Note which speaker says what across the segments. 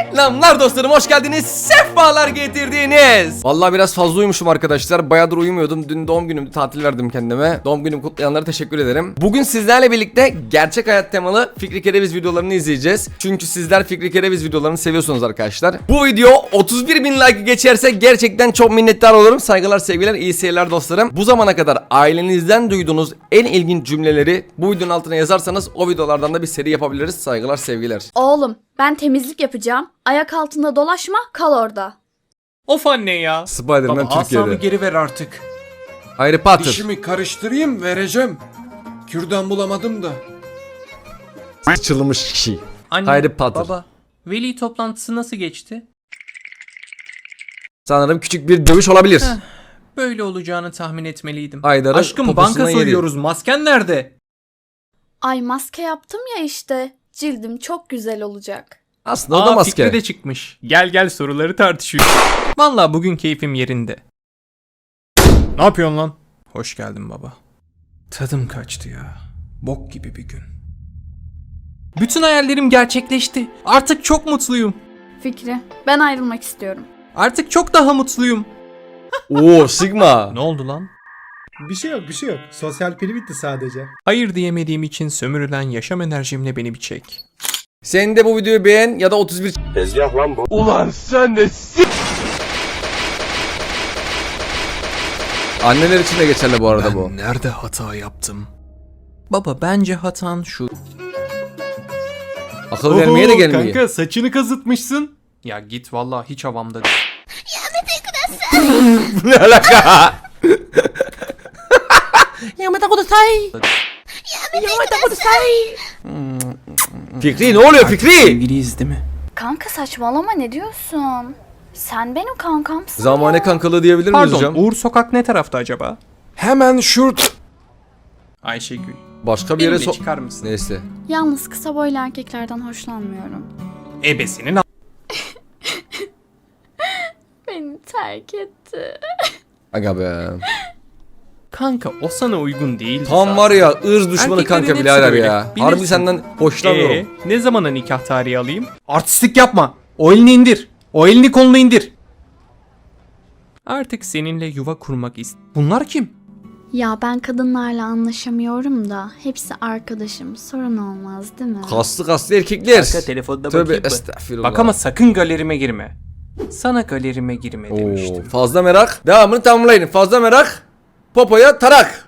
Speaker 1: Selamlar dostlarım, hoş geldiniz, sefalar getirdiniz. Vallahi biraz fazla uyumuşum arkadaşlar, bayağıdır uyumuyordum. Dün doğum günümdü, tatil verdim kendime. Doğum günümü kutlayanlara teşekkür ederim. Bugün sizlerle birlikte gerçek hayat temalı Fikri Kereviz videolarını izleyeceğiz. Çünkü sizler Fikri Kereviz videolarını seviyorsunuz arkadaşlar. Bu video 31.000 like geçerse gerçekten çok minnettar olurum. Saygılar, sevgiler, iyi seyirler dostlarım. Bu zamana kadar ailenizden duyduğunuz en ilginç cümleleri bu videonun altına yazarsanız o videolardan da bir seri yapabiliriz. Saygılar, sevgiler.
Speaker 2: Oğlum, ben temizlik yapacağım. Ayak altında dolaşma, kal orada.
Speaker 3: Of anne ya.
Speaker 1: Spider-Man
Speaker 3: Baba,
Speaker 1: Türkiye'de.
Speaker 3: asamı geri ver artık.
Speaker 1: Harry Potter.
Speaker 4: Dişimi karıştırayım vereceğim. Kürdan bulamadım da.
Speaker 1: Sıçılmış kişi.
Speaker 3: Anne,
Speaker 1: Harry Potter.
Speaker 3: baba, veli toplantısı nasıl geçti?
Speaker 1: Sanırım küçük bir dövüş olabilir.
Speaker 3: Böyle olacağını tahmin etmeliydim.
Speaker 1: Haydar'ın
Speaker 3: Aşkım
Speaker 1: poposuna
Speaker 3: banka
Speaker 1: yedi.
Speaker 3: soruyoruz. Masken nerede?
Speaker 2: Ay maske yaptım ya işte. Cildim çok güzel olacak.
Speaker 1: Aslında o da maske.
Speaker 3: Fikri de çıkmış. Gel soruları tartışıyoruz. Vallahi bugün keyfim yerinde. Ne yapıyorsun lan? Hoş geldin baba. Tadım kaçtı ya. Bok gibi bir gün. Bütün hayallerim gerçekleşti. Artık çok mutluyum.
Speaker 2: Fikri, ben ayrılmak istiyorum.
Speaker 3: Artık çok daha mutluyum.
Speaker 1: Oo Sigma.
Speaker 3: Ne oldu lan?
Speaker 5: Bir şey yok. Sosyal pili bitti sadece.
Speaker 3: Hayır diyemediğim için sömürülen yaşam enerjimle beni bir çek.
Speaker 1: Sen de bu videoyu beğen ya da 31
Speaker 4: Ulan sen de
Speaker 1: Anneler için de geçerli bu arada bu.
Speaker 3: Nerede hata yaptım? Baba bence hatan şu.
Speaker 1: Akıl vermeye de gelmiyor.
Speaker 5: Kanka saçını kazıtmışsın.
Speaker 3: Ya git vallahi hiç havamda değil.
Speaker 1: Ne alaka? Fikri ne oluyor Fikri?
Speaker 3: Sevgiliyiz değil mi?
Speaker 2: Kanka saçmalama, ne diyorsun? Sen benim kankamsın.
Speaker 1: Zamane kankalığı diyebilir miyiz
Speaker 3: Pardon,
Speaker 1: hocam?
Speaker 3: Uğur Sokak ne tarafta acaba?
Speaker 4: hemen şurt.
Speaker 3: Ayşegül.
Speaker 1: Başka bir yere
Speaker 3: Benimle çıkar mısın?
Speaker 1: Neyse.
Speaker 2: Yalnız kısa boylu erkeklerden hoşlanmıyorum.
Speaker 3: Ebesinin
Speaker 2: Beni terk etti.
Speaker 1: Aga be.
Speaker 3: Kanka o sana uygun değil.
Speaker 1: Tam var ya ırz düşmanı
Speaker 3: Erkeklerin
Speaker 1: kanka
Speaker 3: hepsi
Speaker 1: birader
Speaker 3: böyle,
Speaker 1: ya.
Speaker 3: bilirsin.
Speaker 1: Harbi senden hoşlanıyorum.
Speaker 3: Ne zamana nikah tarihi alayım? Artistlik yapma. O elini indir. O elini kolunu indir. Artık seninle yuva kurmak Bunlar kim?
Speaker 2: Ya ben kadınlarla anlaşamıyorum da hepsi arkadaşım. Sorun olmaz değil mi?
Speaker 1: Kaslı erkekler.
Speaker 3: telefonda
Speaker 1: Tövbe
Speaker 3: bakayım mı?
Speaker 1: estağfirullah.
Speaker 3: Bak ama sakın galerime girme. Sana galerime girme
Speaker 1: Oo,
Speaker 3: demiştim.
Speaker 1: fazla merak. Devamını tamamlayın. Fazla merak. Popoya tarak.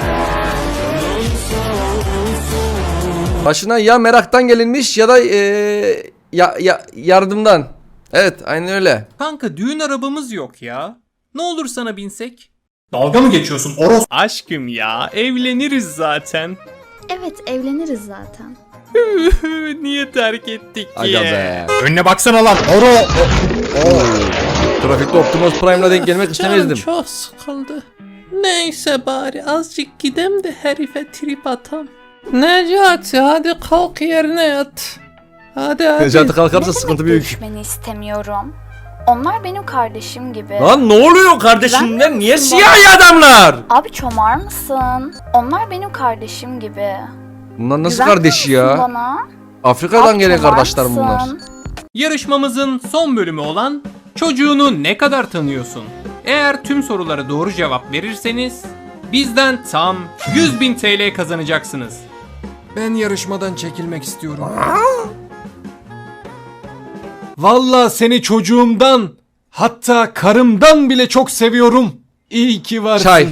Speaker 1: Başına ya meraktan gelinmiş ya da yardımdan. Evet, aynen öyle.
Speaker 3: Kanka düğün arabamız yok ya. Ne olur sana binsek? Dalga mı geçiyorsun Oros? Aşkım ya evleniriz zaten.
Speaker 2: Evet, evleniriz zaten.
Speaker 3: Niye terk ettik ki?
Speaker 1: Aga be.
Speaker 3: Önüne baksana lan.
Speaker 1: Trafikte Optimus Prime'la denk gelmek istemezdim.
Speaker 3: Çok sıkıldı. Neyse bari azıcık gidem de herife trip atam. Necati hadi kalk yerine yat. Hadi.
Speaker 1: Necati kalkarsa
Speaker 2: Ne
Speaker 1: sıkıntı
Speaker 2: demek
Speaker 1: büyük.
Speaker 2: görüşmeni istemiyorum? Onlar benim kardeşim gibi.
Speaker 1: Lan ne oluyor kardeşimler?
Speaker 2: Güvenmiyor
Speaker 1: Niye
Speaker 2: musun
Speaker 1: siyahi adamlar?
Speaker 2: Abi çomar mısın? Onlar benim kardeşim gibi.
Speaker 1: Bunlar nasıl
Speaker 2: Güvenmiyor
Speaker 1: kardeşi
Speaker 2: musun
Speaker 1: ya?
Speaker 2: bana?
Speaker 1: Afrika'dan
Speaker 2: Abi
Speaker 1: gelen
Speaker 2: çomar
Speaker 1: kardeşlerim bunlar.
Speaker 2: mısın?
Speaker 3: Yarışmamızın son bölümü olan çocuğunu ne kadar tanıyorsun? Eğer tüm sorulara doğru cevap verirseniz bizden tam 100.000 TL kazanacaksınız.
Speaker 4: Ben yarışmadan çekilmek istiyorum. Vallahi seni çocuğumdan, hatta karımdan bile çok seviyorum. İyi ki varsın.
Speaker 1: Çay.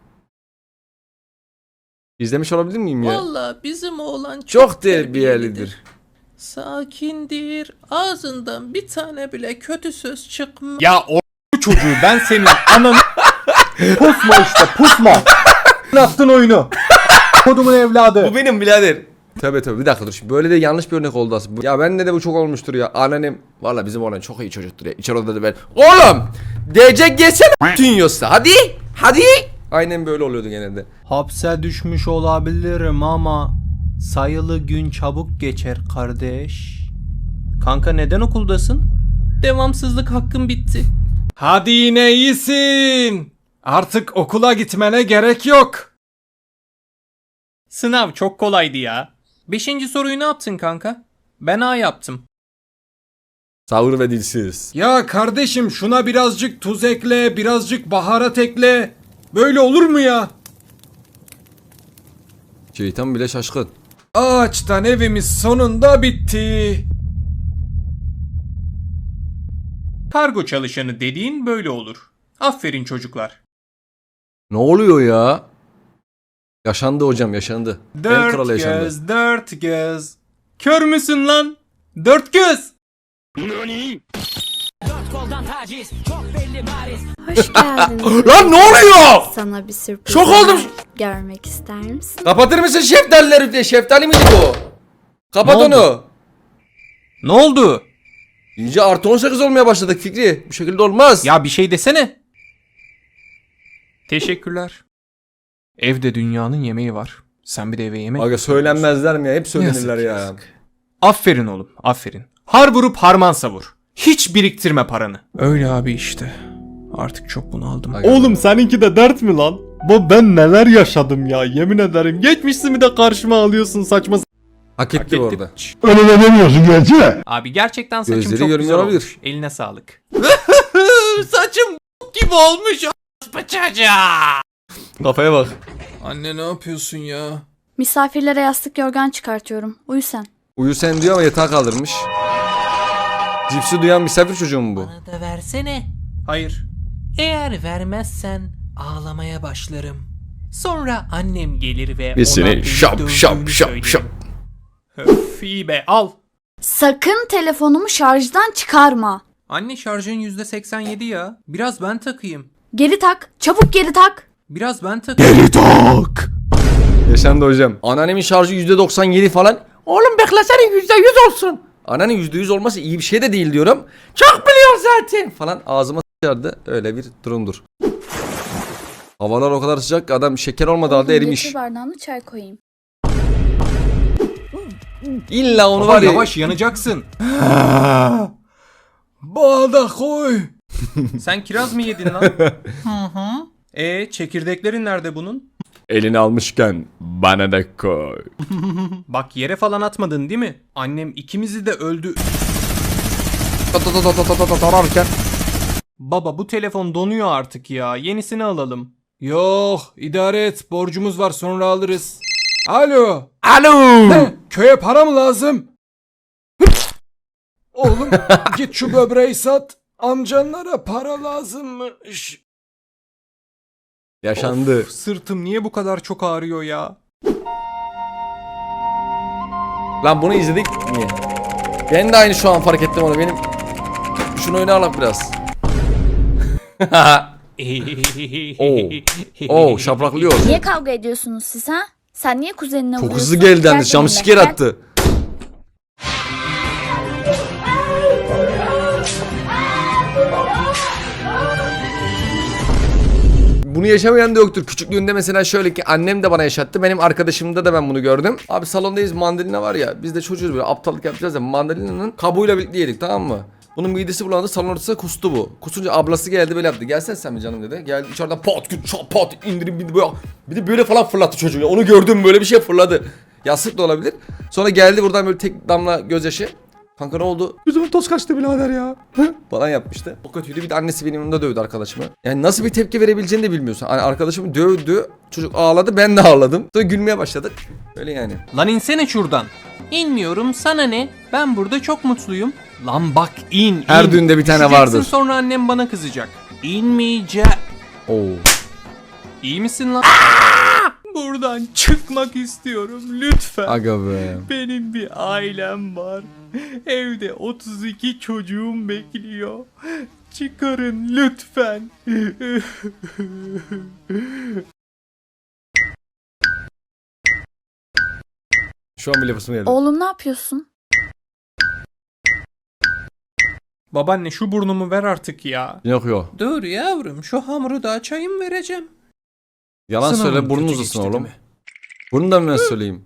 Speaker 1: İzlemiş olabilir miyim ya?
Speaker 3: Vallahi bizim oğlan
Speaker 1: Çok terbiyelidir.
Speaker 3: Sakindir. Ağzından bir tane bile kötü söz çıkmaz. Ya o çocuğu ben senin ananı...
Speaker 5: Pusma işte pusma. Ne yaptın oyunu? Kodumun evladı.
Speaker 1: Bu benim birader. Tövbe bir dakika dur. Şimdi böyle de yanlış bir örnek oldu aslında. Ya bende de bu çok olmuştur ya. Anneannem valla bizim oğlan çok iyi çocuktur ya. İçeri odada ben. Oğlum! DC gelsene dünyası. Hadi. Aynen böyle oluyordu genelde.
Speaker 3: Hapse düşmüş olabilirim ama sayılı gün çabuk geçer kardeş. Kanka neden okuldasın? Devamsızlık hakkım bitti.
Speaker 4: Hadi yine iyisin. Artık okula gitmene gerek yok.
Speaker 3: Sınav çok kolaydı ya. 5. soruyu ne yaptın kanka? Ben A yaptım.
Speaker 1: Sağır ve dilsiz.
Speaker 4: Ya kardeşim şuna birazcık tuz ekle, birazcık baharat ekle. Böyle olur mu ya?
Speaker 1: Şeytan bile şaşkın.
Speaker 4: Ağaçtan evimiz sonunda bitti.
Speaker 3: Kargo çalışanı dediğin böyle olur. Aferin çocuklar.
Speaker 1: Ne oluyor ya? Yaşandı hocam, yaşandı. En kralı
Speaker 3: Dört
Speaker 1: yaşandı.
Speaker 3: göz, dört göz. Kör müsün lan? Dört göz.
Speaker 2: Hoş geldin.
Speaker 1: Lan ne oluyor?
Speaker 2: Sana bir sürpriz
Speaker 1: Şok oldum.
Speaker 2: var. Görmek ister misin?
Speaker 1: Kapatır mısın şeftalileri diye? Şeftali miydi bu? Kapat
Speaker 3: Ne oldu?
Speaker 1: onu.
Speaker 3: Ne oldu?
Speaker 1: İyice artı 18 olmaya başladık Fikri. Bu şekilde olmaz.
Speaker 3: Ya bir şey desene. Teşekkürler. Evde dünyanın yemeği var. Sen bir de eve yemek.
Speaker 1: Aga söylenmezler mi ya? Hep söylenirler
Speaker 3: Yazık,
Speaker 1: ya.
Speaker 3: yazık. Aferin oğlum, aferin. Har vurup harman savur. Hiç biriktirme paranı. Öyle abi işte. Artık çok bunaldım.
Speaker 1: Aga.
Speaker 5: Oğlum seninki de dert mi lan? Ben neler yaşadım ya, yemin ederim. Geçmişimi de karşıma alıyorsun saçma.
Speaker 1: Hak etti bu arada.
Speaker 5: Öyle demiyorsun gerçi.
Speaker 3: Abi gerçekten saçım
Speaker 1: Gözleri
Speaker 3: çok
Speaker 1: görmüyor
Speaker 3: güzel
Speaker 1: olabilir.
Speaker 3: olmuş. Eline sağlık. Saçım gibi olmuş çocuğa.
Speaker 1: Kafaya bak.
Speaker 3: Anne ne yapıyorsun ya?
Speaker 2: Misafirlere yastık yorgan çıkartıyorum. Uyu sen.
Speaker 1: Uyu sen diyor ama yatağa kaldırmış. Cipsi duyan misafir çocuğu mu bu?
Speaker 6: Bana da versene.
Speaker 3: Hayır.
Speaker 6: Eğer vermezsen ağlamaya başlarım. Sonra annem gelir ve
Speaker 1: Biz
Speaker 6: ona
Speaker 1: seni
Speaker 6: beni
Speaker 1: şap
Speaker 6: dövdüğünü
Speaker 1: şap şap
Speaker 6: söylerim.
Speaker 1: şap.
Speaker 3: Öf iyi be al.
Speaker 2: Sakın telefonumu şarjdan çıkarma.
Speaker 3: Anne şarjın %87 ya. Biraz ben takayım.
Speaker 2: Geri tak. Çabuk geri tak.
Speaker 3: Biraz ben takayım.
Speaker 1: Yaşandı hocam. Anneannemin şarjı %97 falan. Oğlum beklesene %100 olsun. Anneannemin %100 olması iyi bir şey de değil diyorum. Çok biliyor zaten falan ağzıma sıçardı. Öyle bir durumdur. Havalar o kadar sıcak ki adam şeker olmadığı halde erimiş.
Speaker 2: Getir bardağını çay koyayım.
Speaker 1: İlla onu
Speaker 3: Baba
Speaker 1: var ya.
Speaker 3: yavaş yanacaksın.
Speaker 4: Bana da koy.
Speaker 3: Sen kiraz mı yedin lan? Çekirdeklerin nerede bunun?
Speaker 1: Elini almışken bana da koy.
Speaker 3: Bak yere falan atmadın değil mi? Annem ikimizi de öldü.
Speaker 1: Tararken.
Speaker 3: Baba bu telefon donuyor artık ya. Yenisini alalım.
Speaker 4: Yok, idare et. Borcumuz var, sonra alırız. Alo.
Speaker 1: Alo.
Speaker 4: Ne? Köye para mı lazım? Oğlum git şu böbreği sat. Amcanlara para lazımmış.
Speaker 1: Yaşandı.
Speaker 3: Of, sırtım niye bu kadar çok ağrıyor ya?
Speaker 1: Lan bunu izledik mi? Ben de aynı şu an fark ettim onu. Benim şunu oyuna alak biraz. Oo, şapraklıyor.
Speaker 2: Niye kavga ediyorsunuz siz ha? Sen niye kuzenine
Speaker 1: Çok
Speaker 2: vuruyorsun?
Speaker 1: hızlı geldi
Speaker 2: Gel
Speaker 1: yalnız.
Speaker 2: benimle,
Speaker 1: Jumpscare
Speaker 2: gel.
Speaker 1: attı. Bunu yaşamayan da yoktur. Küçüklüğünde mesela şöyle ki annem de bana yaşattı. Benim arkadaşımda da ben bunu gördüm. Abi salondayız, mandalina var ya. Biz de çocuğuz böyle aptallık yapacağız ya. Mandalina'nın kabuğuyla birlikte yedik, tamam mı? Bunun midesi bulandı, salon ortasına kustu bu. Kusunca ablası geldi böyle yaptı. Gelsene sen mi canım dedi. Geldi içeriden pat küt çat pat indirim bir de böyle. Bir de böyle falan fırlattı çocuğu ya. Onu gördüm, böyle bir şey fırladı. Yastık da olabilir. Sonra geldi buradan böyle tek damla gözyaşı. Kanka ne oldu? Yüzümün toz kaçtı birader ya. Falan yapmıştı. O kötüydü. Bir de annesi benim yanımda dövdü arkadaşımı. Yani nasıl bir tepki verebileceğini de bilmiyorsun. Hani arkadaşımı dövdü. Çocuk ağladı, ben de ağladım. Sonra gülmeye başladık. Öyle yani.
Speaker 3: Lan insene şuradan.
Speaker 6: İnmiyorum, sana ne? Ben burada çok mutluyum.
Speaker 3: Lan bak in.
Speaker 1: Her düğünde bir tane
Speaker 3: Düşeceksin,
Speaker 1: vardır.
Speaker 3: sonra annem bana kızacak.
Speaker 6: İnmeyeceğim.
Speaker 1: Oo.
Speaker 3: İyi misin lan? Buradan çıkmak istiyorum lütfen.
Speaker 1: Aga be.
Speaker 3: Benim bir ailem var. Evde 32 çocuğum bekliyor. Çıkarın lütfen.
Speaker 1: Şu an bile fısım geldi.
Speaker 2: Oğlum ne yapıyorsun?
Speaker 3: Babaanne şu burnumu ver artık ya.
Speaker 1: Yok yok.
Speaker 6: Dur yavrum, şu hamuru da açayım vereceğim.
Speaker 1: Yalan
Speaker 3: Sınavın
Speaker 1: söyle, burnun
Speaker 3: kötü
Speaker 1: uzasın
Speaker 3: geçti
Speaker 1: oğlum.
Speaker 3: değil mi?
Speaker 1: Bunu da mı ben söyleyeyim?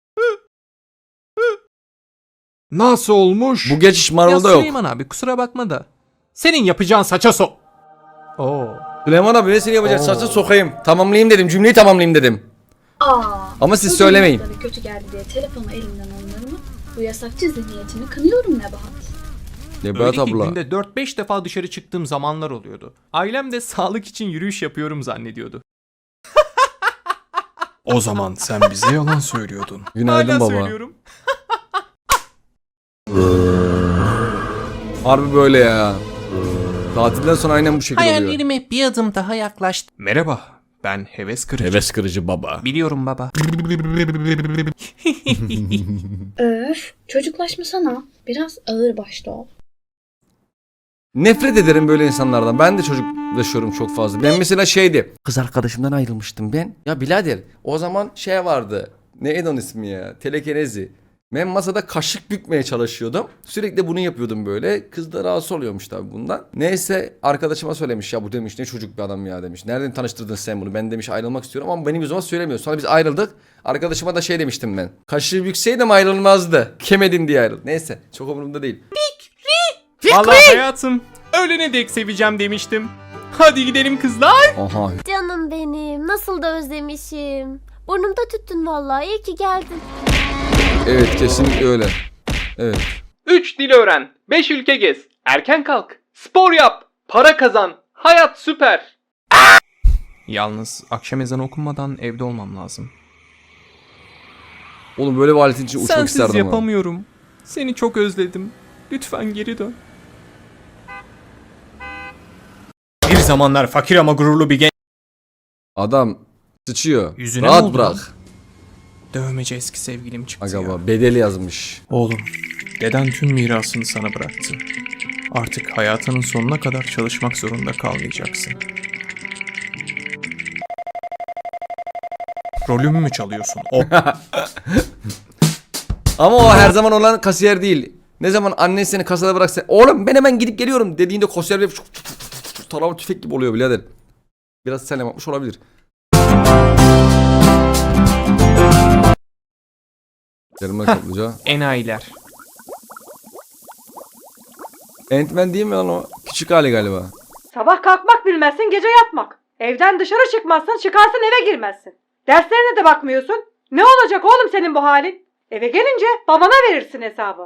Speaker 4: Nasıl olmuş?
Speaker 1: Bu geçiş
Speaker 3: Ya
Speaker 1: Marvel'da yok.
Speaker 3: Süleyman abi kusura bakma da. Senin yapacağın saça Oo.
Speaker 1: Süleyman abi ne seni yapacak? Saçta sokayım. Tamamlayayım dedim. Cümleyi tamamlayayım dedim. Ama siz
Speaker 2: çocuğun
Speaker 1: söylemeyin.
Speaker 2: notları kötü geldi diye telefonu elimden alınır mı? Bu yasakçı zihniyetini kınıyorum Nebahat.
Speaker 1: Nebahat
Speaker 3: Öyle ki
Speaker 1: abla.
Speaker 3: günde 4-5 defa dışarı çıktığım zamanlar oluyordu. Ailem de sağlık için yürüyüş yapıyorum zannediyordu.
Speaker 5: O zaman sen bize yalan söylüyordun.
Speaker 1: Günaydın
Speaker 3: Hala
Speaker 1: baba.
Speaker 3: söylüyorum.
Speaker 1: Harbi böyle ya. Tatilden sonra aynen bu şekilde oluyor.
Speaker 6: Hayallerime bir adım daha yaklaştım.
Speaker 3: Merhaba, ben heves kırıcı.
Speaker 5: Heves kırıcı baba.
Speaker 3: Biliyorum baba.
Speaker 2: Öf, çocuklaşmasana. Biraz ağır başlı ol.
Speaker 1: Nefret ederim böyle insanlardan. Ben de çocuklaşıyorum çok fazla. Ben mesela şeydi. Kız arkadaşımdan ayrılmıştım ben. Ya birader o zaman şey vardı. Neydi onun ismi ya? Telekinezi. Ben masada kaşık bükmeye çalışıyordum. Sürekli bunu yapıyordum böyle. Kız da rahatsız oluyormuş tabii bundan. Neyse arkadaşıma söylemiş ya bu demiş ne çocuk bir adam ya demiş. Nereden tanıştırdın sen bunu? Ben demiş ayrılmak istiyorum ama benim yüzüme söylemiyor. Sonra biz ayrıldık. Arkadaşıma da şey demiştim ben. Kaşığı bükseydim ayrılmazdı. Kemedin diye ayrıldı. Neyse çok umurumda değil.
Speaker 3: Vallahi hayatım, ölene dek seveceğim demiştim. Hadi gidelim kızlar.
Speaker 1: Aha.
Speaker 7: Canım benim, nasıl da özlemişim. Burnumda tüttün vallahi, iyi ki geldin.
Speaker 1: Evet kesinlikle öyle. Evet.
Speaker 3: 3 dil öğren, 5 ülke gez, erken kalk, spor yap, para kazan, hayat süper. Yalnız akşam ezanı okunmadan evde olmam lazım.
Speaker 1: Oğlum böyle bir aletin için uçmak
Speaker 3: Sensiz
Speaker 1: isterdim ha.
Speaker 3: yapamıyorum. Seni çok özledim. Lütfen geri dön. Bir zamanlar fakir ama gururlu bir genç.
Speaker 1: Adam sıçıyor.
Speaker 3: Yüzüne mi
Speaker 1: Rahat
Speaker 3: oldu
Speaker 1: bırak.
Speaker 3: lan? Dövmece eski sevgilim çıktı ya.
Speaker 1: Aga bedeli yazmış.
Speaker 3: Oğlum, deden tüm mirasını sana bıraktı. Artık hayatının sonuna kadar çalışmak zorunda kalmayacaksın. Rolümü mü çalıyorsun?
Speaker 1: Ama o her zaman olan kasiyer değil. Ne zaman annen seni kasada bıraksa oğlum ben hemen gidip geliyorum dediğinde kasiyer bir tarama tüfek gibi oluyor birader. Biraz sen yapmış olabilir. Yarımlar kaplıca.
Speaker 3: Enayiler.
Speaker 1: Ant-Man değil mi lan o? Küçük hali galiba.
Speaker 8: Sabah kalkmak bilmezsin, gece yatmak. Evden dışarı çıkmazsın, çıkarsın eve girmezsin. Derslerine de bakmıyorsun. Ne olacak oğlum senin bu halin? Eve gelince babana verirsin hesabı.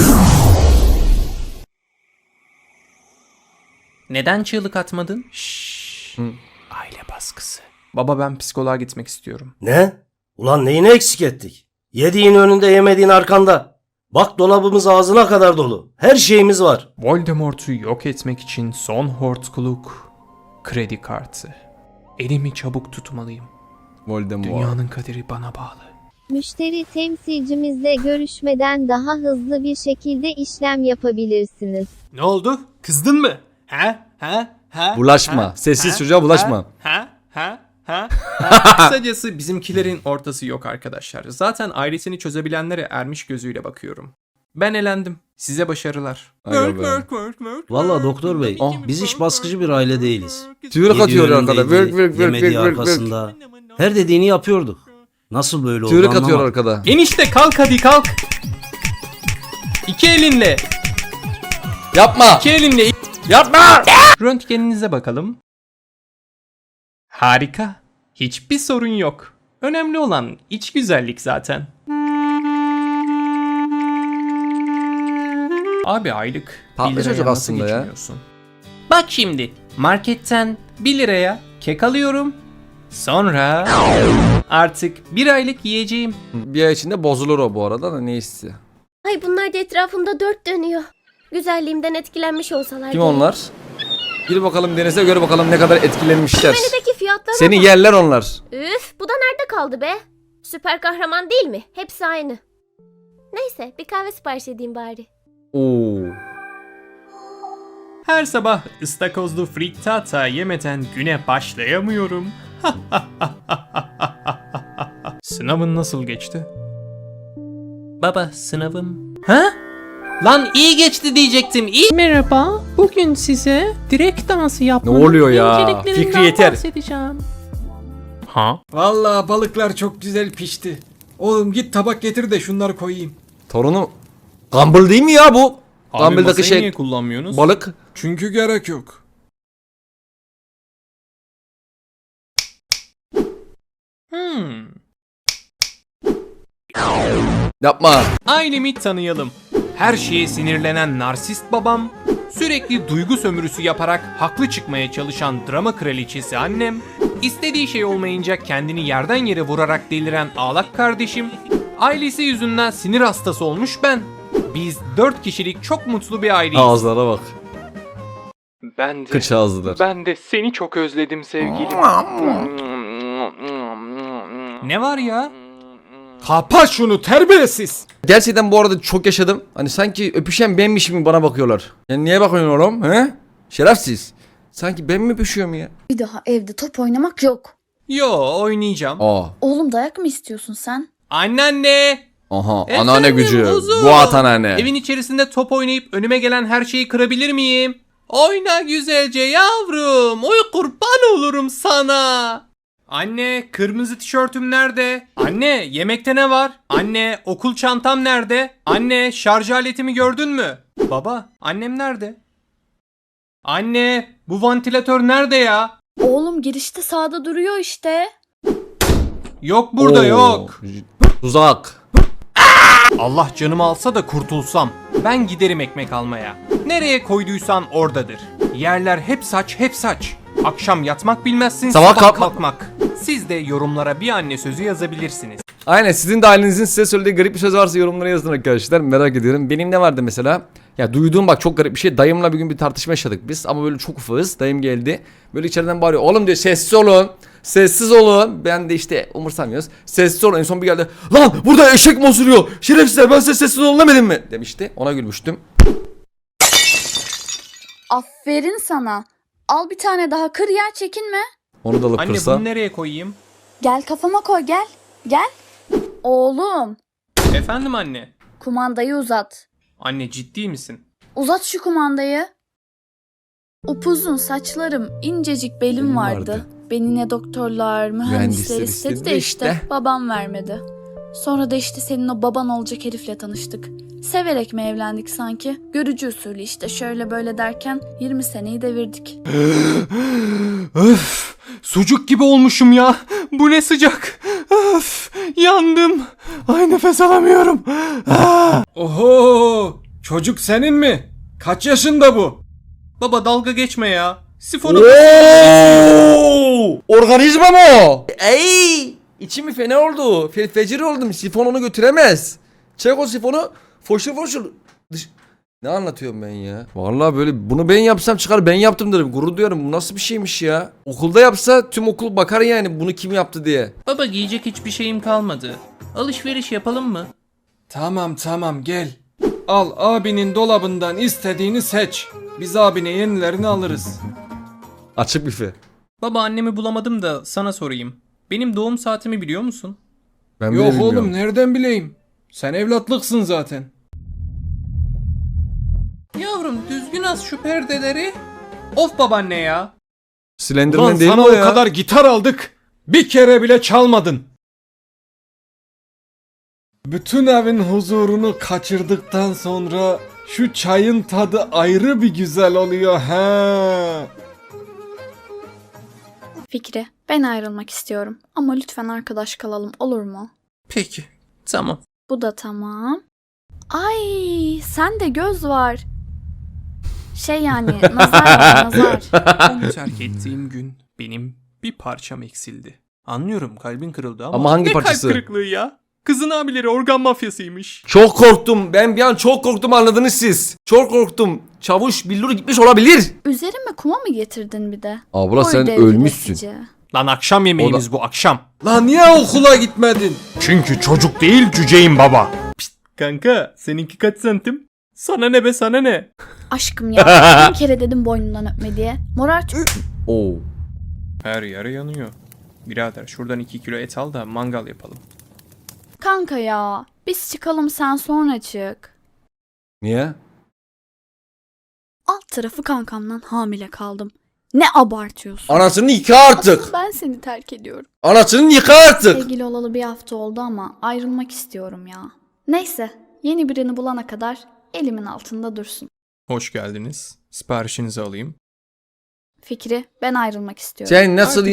Speaker 6: Neden çığlık atmadın?
Speaker 3: Şşş. Aile baskısı. Baba ben psikoloğa gitmek istiyorum.
Speaker 9: Ne? Ulan neyini eksik ettik? Yediğin önünde yemediğin arkanda. Bak dolabımız ağzına kadar dolu. Her şeyimiz var.
Speaker 3: Voldemort'u yok etmek için son hortkuluk kredi kartı. Elimi çabuk tutmalıyım.
Speaker 1: Voldemort.
Speaker 3: Dünyanın kaderi bana bağlı.
Speaker 10: Müşteri temsilcimizle görüşmeden daha hızlı bir şekilde işlem yapabilirsiniz.
Speaker 6: Ne oldu? Kızdın mı? Ha?
Speaker 1: Bulaşma. Sessiz çocuğa bulaşma.
Speaker 3: Kısacası bizimkilerin ortası yok arkadaşlar. Zaten ailesini çözebilenlere ermiş gözüyle bakıyorum. Ben elendim. Size başarılar.
Speaker 1: Aga be.
Speaker 9: Vallahi doktor bey, biz hiç baskıcı bir aile değiliz.
Speaker 1: Tüyürük atıyor
Speaker 9: Yediği
Speaker 1: arkada.
Speaker 9: önündeydi,
Speaker 1: Vırk vırk vırk
Speaker 9: yemediği
Speaker 1: vırk vırk vırk.
Speaker 9: arkasında. Her dediğini yapıyorduk. Nasıl böyle oldu
Speaker 1: Tüyürük atıyor
Speaker 9: anlamadım.
Speaker 1: arkada.
Speaker 3: Enişte kalk hadi kalk. İki elinle.
Speaker 1: Yapma.
Speaker 3: İki elinle.
Speaker 1: Yapma.
Speaker 3: Röntgeninize bakalım. Harika. Hiçbir sorun yok. Önemli olan iç güzellik zaten. Abi aylık
Speaker 1: Tatlı
Speaker 3: 1 liraya
Speaker 1: çocuk
Speaker 3: nasıl
Speaker 1: aslında ya.
Speaker 3: geçiniyorsun?
Speaker 6: Bak şimdi. Marketten
Speaker 3: 1 liraya kek alıyorum. Sonra artık 1 aylık yiyeceğim.
Speaker 1: Bir ay içinde bozulur o bu arada da neyse.
Speaker 7: Ay bunlar da etrafımda dört dönüyor. Güzelliğimden etkilenmiş olsalar.
Speaker 1: Kim
Speaker 7: gerek.
Speaker 1: onlar? Gir bakalım denize gör bakalım ne kadar etkilenmişler.
Speaker 7: Menüdeki fiyatlara
Speaker 1: Seni
Speaker 7: bak.
Speaker 1: yerler onlar.
Speaker 7: Üf, bu da nerede kaldı be? Süper kahraman değil mi? Hepsi aynı. Neyse, bir kahve sipariş edeyim bari.
Speaker 1: Oo.
Speaker 3: Her sabah ıstakozlu frittata yemeden güne başlayamıyorum. Sınavın nasıl geçti?
Speaker 6: baba sınavım. Ha? Lan iyi geçti diyecektim. İyi. Merhaba. Bugün size direkt dansı yapmanın
Speaker 1: Ne oluyor ya?
Speaker 6: inceliklerinden
Speaker 1: Fikri yeter.
Speaker 6: bahsedeceğim.
Speaker 3: Ha?
Speaker 4: Vallahi balıklar çok güzel pişti. Oğlum git tabak getir de şunları koyayım.
Speaker 1: Torunu Gumball değil mi ya bu?
Speaker 3: Abi
Speaker 1: Gumball'daki
Speaker 3: masayı niye
Speaker 1: şey
Speaker 3: kullanmıyorsunuz?
Speaker 1: balık.
Speaker 4: Çünkü gerek yok.
Speaker 3: Hmm.
Speaker 1: Yapma.
Speaker 3: Ailemi tanıyalım. her şeye sinirlenen narsist babam, sürekli duygu sömürüsü yaparak haklı çıkmaya çalışan drama kraliçesi annem, istediği şey olmayınca kendini yerden yere vurarak deliren ağlak kardeşim, ailesi yüzünden sinir hastası olmuş ben. Biz 4 kişilik çok mutlu bir aileyiz.
Speaker 1: Ağızlara bak.
Speaker 3: Ben de,
Speaker 1: Kıç ağızlılar.
Speaker 3: ben de seni çok özledim sevgilim. Ne var ya?
Speaker 4: Kapa şunu terbiyesiz.
Speaker 1: Gerçekten bu arada çok yaşadım. Hani sanki öpüşen benmişim gibi bana bakıyorlar. Yani niye bakıyorsun oğlum? He? Şerefsiz. Sanki ben mi öpüşüyorum ya?
Speaker 2: Bir daha evde top oynamak yok.
Speaker 3: Yo, oynayacağım.
Speaker 1: Aa.
Speaker 2: Oğlum dayak mı istiyorsun sen?
Speaker 3: Anneanne!
Speaker 1: Aha.
Speaker 3: Efendim,
Speaker 1: Anneanne gücü.
Speaker 3: kuzum?
Speaker 1: Guat anneanne.
Speaker 3: Evin içerisinde top oynayıp önüme gelen her şeyi kırabilir miyim? Oyna güzelce yavrum. Oy kurban olurum sana. Anne, kırmızı tişörtüm nerede? Anne, yemekte ne var? Anne, okul çantam nerede? Anne, şarj aletimi gördün mü? Baba, annem nerede? Anne, bu vantilatör nerede ya?
Speaker 2: Oğlum girişte sağda duruyor işte.
Speaker 3: Yok burada,
Speaker 1: Oo.
Speaker 3: yok.
Speaker 1: Tuzak.
Speaker 3: Allah canımı alsa da kurtulsam. Ben giderim ekmek almaya. Nereye koyduysan oradadır. Yerler hep saç, hep saç. Akşam yatmak bilmezsin,
Speaker 1: Sabah
Speaker 3: sabah
Speaker 1: kalkma-
Speaker 3: kalkmak. Siz de yorumlara bir anne sözü yazabilirsiniz.
Speaker 1: Aynen, sizin de ailenizin size söylediği garip bir söz varsa yorumlara yazın arkadaşlar. Merak ediyorum. Benim ne vardı mesela? Ya duyduğum bak çok garip bir şey. Dayımla bir gün bir tartışma yaşadık biz. Ama böyle çok ufağız. Dayım geldi. Böyle içeriden bağırıyor. Oğlum diyor, sessiz olun. Sessiz olun. Ben de işte umursamıyoruz. Sessiz olun. En son bir geldi. Lan burada eşek mi osuruyor? Şerefsizler, ben size sessiz olun demedim mi? Demişti. Ona gülmüştüm.
Speaker 2: Aferin sana. Al bir tane daha kır yer, çekinme.
Speaker 1: Onu da alıp
Speaker 3: Anne
Speaker 1: kırsa.
Speaker 3: bunu nereye koyayım?
Speaker 2: Gel kafama koy, gel. Gel. Oğlum
Speaker 3: Efendim anne.
Speaker 2: kumandayı uzat.
Speaker 3: Anne ciddi misin?
Speaker 2: Uzat şu kumandayı. Upuzun saçlarım, incecik belim vardı. Beni ne doktorlar, mühendisler
Speaker 1: Mühendisler
Speaker 2: istedi
Speaker 1: istedi
Speaker 2: de işte babam vermedi. Sonra da işte senin o baban olacak herifle tanıştık. Severek mi evlendik sanki? Görücü usulü işte, şöyle böyle derken 20 seneyi devirdik.
Speaker 3: Öf, sucuk gibi olmuşum ya. Bu ne sıcak. Öf, yandım. Ay nefes alamıyorum.
Speaker 4: Oho! Çocuk senin mi? Kaç yaşında bu?
Speaker 3: Baba dalga geçme ya. Sifonu
Speaker 1: Oo! Organizma mı o? Ey! İçim fena oldu. Fecir oldum. Sifon onu götüremez. Çek o sifonu. Foşur foşur. Ne anlatıyorum ben ya? Vallahi böyle bunu ben yapsam çıkar ben yaptım derim. Gurur duyuyorum. Bu nasıl bir şeymiş ya? Okulda yapsa tüm okul bakar yani bunu kim yaptı diye.
Speaker 6: Baba giyecek hiçbir şeyim kalmadı. Alışveriş yapalım mı?
Speaker 4: Tamam gel. Al abinin dolabından istediğini seç. Biz abine yenilerini alırız.
Speaker 1: Açık büfe.
Speaker 3: Baba annemi bulamadım da sana sorayım. Benim doğum saatimi biliyor musun?
Speaker 1: Ben bile
Speaker 4: Yok
Speaker 1: bilmiyorum.
Speaker 4: oğlum nereden bileyim? Sen evlatlıksın zaten.
Speaker 3: Yavrum düzgün as şu perdeleri. Of babaanne ya.
Speaker 1: Slenderman
Speaker 4: Ulan
Speaker 1: değil mi
Speaker 4: sana
Speaker 1: o
Speaker 4: o
Speaker 1: ya?
Speaker 4: kadar gitar aldık. Bir kere bile çalmadın. Bütün evin huzurunu kaçırdıktan sonra şu çayın tadı ayrı bir güzel oluyor he.
Speaker 2: Fikri, ben ayrılmak istiyorum. Ama lütfen arkadaş kalalım, olur mu?
Speaker 3: Peki tamam.
Speaker 2: Bu da tamam. Ay, sende göz var. Şey yani, nazar var, nazar.
Speaker 3: Onu terk ettiğim gün benim bir parçam eksildi. Anlıyorum kalbin kırıldı ama,
Speaker 1: Ama hangi
Speaker 3: ne
Speaker 1: parçası?
Speaker 3: kalp kırıklığı ya? Kızın abileri organ mafyasıymış.
Speaker 1: Çok korktum. Ben bir an çok korktum, anladınız siz. Çok korktum. Çavuş billur gitmiş olabilir.
Speaker 2: Üzerime kuma mı getirdin bir de?
Speaker 1: Abla
Speaker 2: Oy
Speaker 1: sen
Speaker 2: devri
Speaker 1: ölmüşsün.
Speaker 2: besici.
Speaker 3: Lan akşam yemeğimiz bu akşam.
Speaker 4: Lan niye okula gitmedin?
Speaker 5: Çünkü çocuk değil cüceyim baba.
Speaker 3: Kanka seninki kaç santim? Sana ne be sana ne?
Speaker 2: Aşkım ya, bin kere dedim boynundan öpme diye. Morar
Speaker 1: Oo.
Speaker 3: Her yere yanıyor. Birader şuradan 2 kilo et al da mangal yapalım.
Speaker 2: kanka ya. Biz çıkalım, sen sonra çık.
Speaker 1: Niye?
Speaker 2: Alt tarafı kankamdan hamile kaldım. Ne abartıyorsun?
Speaker 1: Anasını yıka artık.
Speaker 2: Asıl ben seni terk ediyorum.
Speaker 1: Anasını yıka artık.
Speaker 2: Sevgili olalı bir hafta oldu ama ayrılmak istiyorum ya. Neyse, yeni birini bulana kadar elimin altında dursun.
Speaker 3: Hoş geldiniz. Siparişinizi alayım.
Speaker 2: Fikri, ben ayrılmak istiyorum.
Speaker 1: Sen nasıl...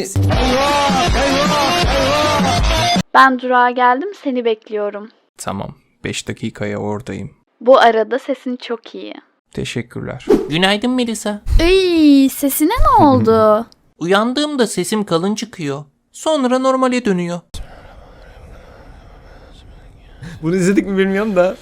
Speaker 2: Ben durağa geldim, seni bekliyorum.
Speaker 3: Tamam. 5 dakikaya oradayım.
Speaker 2: Bu arada sesin çok iyi.
Speaker 3: Teşekkürler.
Speaker 6: Günaydın Melisa.
Speaker 2: Ey, sesine ne oldu?
Speaker 6: Uyandığımda sesim kalın çıkıyor. Sonra normale dönüyor.
Speaker 1: Bunu izledik mi bilmiyorum da.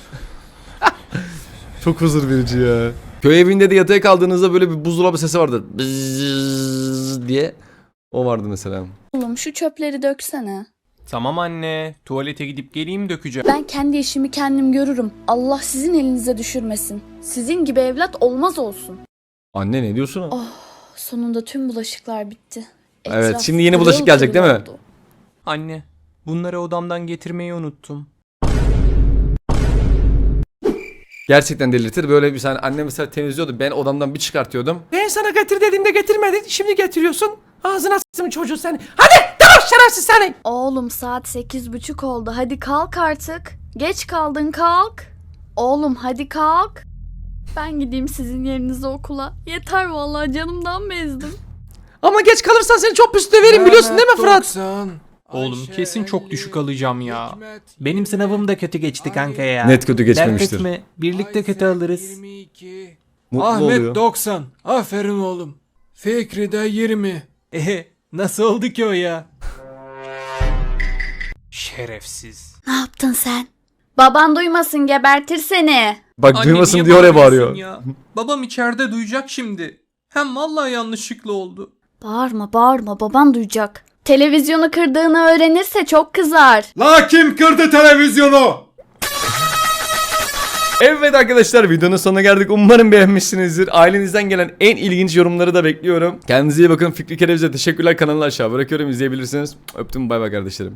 Speaker 4: Çok huzur verici ya.
Speaker 1: Köy evinde de yatağa kaldığınızda böyle bir buzdolabı sesi vardır. Bzzz diye. O vardı mesela.
Speaker 2: Oğlum şu çöpleri döksene.
Speaker 3: Tamam anne. Tuvalete gidip geleyim dökeceğim.
Speaker 2: Ben kendi işimi kendim görürüm. Allah sizin elinize düşürmesin. Sizin gibi evlat olmaz olsun.
Speaker 1: Anne ne diyorsun?
Speaker 2: Oh, sonunda tüm bulaşıklar bitti.
Speaker 1: Evet,
Speaker 2: Etraf
Speaker 1: şimdi yeni bulaşık
Speaker 2: pırıl
Speaker 1: gelecek
Speaker 2: pırıl
Speaker 1: değil mi?
Speaker 2: oldu.
Speaker 3: Anne, bunları odamdan getirmeyi unuttum.
Speaker 1: Gerçekten delirtir. Böyle bir saniye annem mesela temizliyordu. Ben odamdan bir çıkartıyordum. Ben sana getir dediğimde getirmedin. Şimdi getiriyorsun. Ağzına s**tım çocuğu seni. Hadi tamam şerefsiz seni.
Speaker 2: Oğlum saat 8:30 oldu. Hadi kalk artık. Geç kaldın, kalk. Oğlum hadi kalk. Ben gideyim sizin yerinize okula. Yeter vallahi, canımdan bezdim.
Speaker 1: Ama geç kalırsan seni çok pis döverim biliyorsun değil mi Fırat?
Speaker 3: Oğlum kesin çok düşük alacağım ya. Benim sınavım da kötü geçti kanka ya.
Speaker 1: Net kötü geçmemiştir.
Speaker 3: Dert etme, birlikte kötü alırız.
Speaker 1: Mutlu
Speaker 4: Ahmet
Speaker 1: oluyor.
Speaker 4: 90. Aferin oğlum. Fikri de 20.
Speaker 3: Nasıl oldu ki o ya? Şerefsiz.
Speaker 2: Ne yaptın sen? Baban duymasın, gebertir seni.
Speaker 1: Bak
Speaker 3: Anne,
Speaker 1: duymasın
Speaker 3: niye
Speaker 1: diye oraya
Speaker 3: bağırıyorsun
Speaker 1: bağırıyor.
Speaker 3: ya? Babam içeride duyacak şimdi. Hem vallahi yanlışlıkla oldu.
Speaker 2: Bağırma bağırma, baban duyacak. Televizyonu kırdığını öğrenirse çok kızar.
Speaker 4: La kim kırdı televizyonu?
Speaker 1: Evet arkadaşlar, videonun sonuna geldik. Umarım beğenmişsinizdir. Ailenizden gelen en ilginç yorumları da bekliyorum. Kendinize iyi bakın. Fikri Kereviz'e teşekkürler. Kanalını aşağı bırakıyorum, izleyebilirsiniz. Öptüm, bay bay kardeşlerim.